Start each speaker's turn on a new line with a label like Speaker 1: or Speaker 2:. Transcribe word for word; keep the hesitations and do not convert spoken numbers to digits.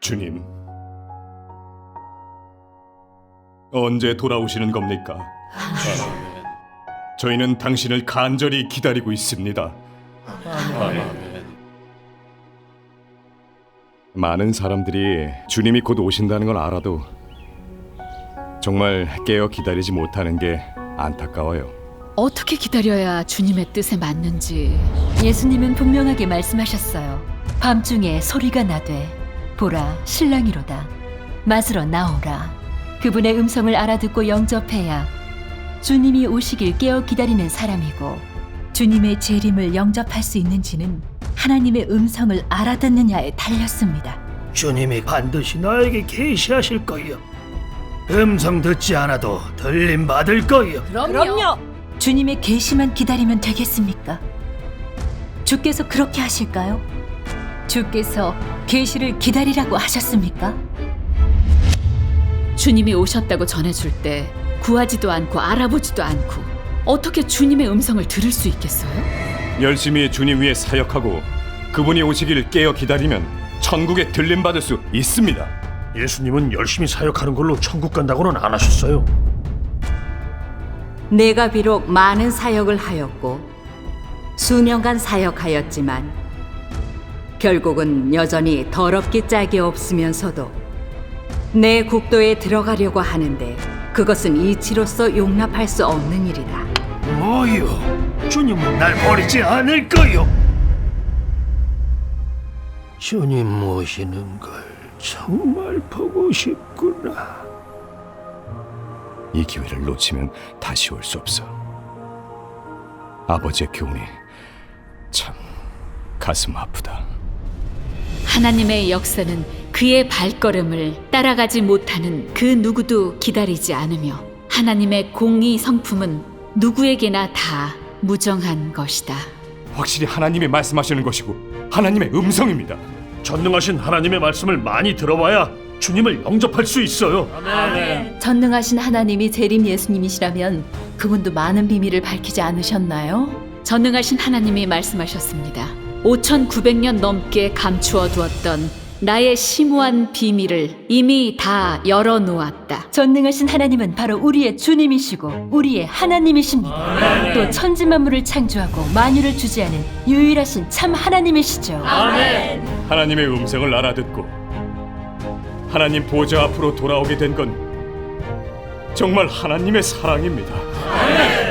Speaker 1: 주님, 언제 돌아오시는 겁니까? 저희는 당신을 간절히 기다리고 있습니다. 많은 사람들이 주님이 곧 오신다는 걸 알아도 정말 깨어 기다리지 못하는 게 안타까워요.
Speaker 2: 어떻게 기다려야 주님의 뜻에 맞는지.
Speaker 3: 예수님은 분명하게 말씀하셨어요. 밤중에 소리가 나되 보라 신랑이로다 맞으러 나오라. 그분의 음성을 알아듣고 영접해야 주님이 오시길 깨어 기다리는 사람이고, 주님의 재림을 영접할 수 있는지는 하나님의 음성을 알아듣느냐에 달렸습니다.
Speaker 4: 주님이 반드시 나에게 계시하실 거요. 음성 듣지 않아도 들림 받을 거요.
Speaker 3: 그럼요. 주님의 계시만 기다리면 되겠습니까? 주께서 그렇게 하실까요? 주께서 계시를 기다리라고 하셨습니까?
Speaker 2: 주님이 오셨다고 전해줄 때 구하지도 않고 알아보지도 않고 어떻게 주님의 음성을 들을 수 있겠어요?
Speaker 1: 열심히 주님 위에 사역하고 그분이 오시기를 깨어 기다리면 천국에 들림 받을 수 있습니다.
Speaker 4: 예수님은 열심히 사역하는 걸로 천국 간다고는 안 하셨어요.
Speaker 5: 내가 비록 많은 사역을 하였고 수년간 사역하였지만 결국은 여전히 더럽기 짝이 없으면서도 내 국도에 들어가려고 하는데 그것은 이치로서 용납할 수 없는 일이다.
Speaker 4: 뭐요? 주님은 날 버리지 않을 거요. 주님 모시는 걸 정말 보고 싶구나.
Speaker 1: 이 기회를 놓치면 다시 올 수 없어. 아버지의 교훈이 참 가슴 아프다.
Speaker 2: 하나님의 역사는 그의 발걸음을 따라가지 못하는 그 누구도 기다리지 않으며 하나님의 공의 성품은 누구에게나 다 무정한 것이다.
Speaker 1: 확실히 하나님이 말씀하시는 것이고 하나님의 음성입니다.
Speaker 4: 전능하신 하나님의 말씀을 많이 들어봐야 주님을 영접할 수 있어요.
Speaker 3: 전능하신 하나님이 재림 예수님이시라면 그분도 많은 비밀을 밝히지 않으셨나요?
Speaker 2: 전능하신 하나님이 말씀하셨습니다. 오천구백 년 넘게 감추어 두었던 나의 심오한 비밀을 이미 다 열어놓았다.
Speaker 3: 전능하신 하나님은 바로 우리의 주님이시고 우리의 하나님이십니다. 또 천지만물을 창조하고 만유를 주재하는 유일하신 참 하나님이시죠.
Speaker 1: 하나님의 음성을 알아듣고 하나님 보좌 앞으로 돌아오게 된 건 정말 하나님의 사랑입니다.